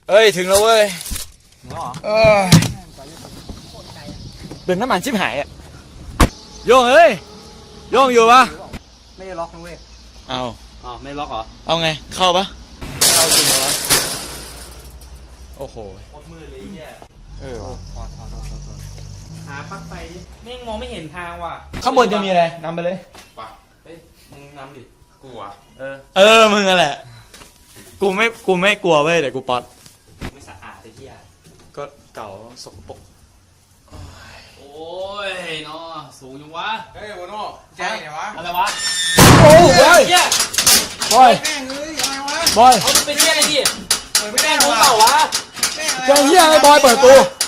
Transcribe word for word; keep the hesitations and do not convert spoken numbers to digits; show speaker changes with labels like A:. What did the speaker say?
A: เอ้ยถึงแล้วเว้ย
B: เหรอ
A: เออเดินน้ำมันชิบหายอ่ะโยงเอ้ยโยงอยู่ปะ
B: ไม่ได้ล็อกนะเว้ย
A: เอา
B: อ๋อไม่ล็อกเหรอ
A: เอาไงเข้าปะเข้าจริงเหรอโอ้โห
B: โคตรมืดเลยเนี่ย
A: เออ
B: หาปลั๊กไฟดิแม่งมองไม่เห็นทางว่ะ
A: ข้างบนจะมีอะไรนำไปเลย
B: ป่ะเฮ้ยมึงนำดิกูอ่ะเออ
A: เออมึงอะแหละกูไม่กูไม่กลัวเว้ยแต่กูป๊อต
B: ไม่สะอาดไอ้เหี้ย
A: ก็เก่าสกปรก
B: โอ้ยเนาะสูงจังวะ
C: เฮ้ยโมโน่แจ้งไงวะ
B: อะไรวะ
A: โอ้ยบอย
B: เหี้ย
A: บอย
C: แม่งเอ้ยอะไรวะ
A: บอย
B: เอามันเป็นเหี้ยอะไรดิ
C: เปิดไม่
B: แม่
C: ได้
B: งรู้
C: วะ
B: เปล่าวะ
C: แม่งอะไร
A: แกเฮียไอ้บอยเปิดประตู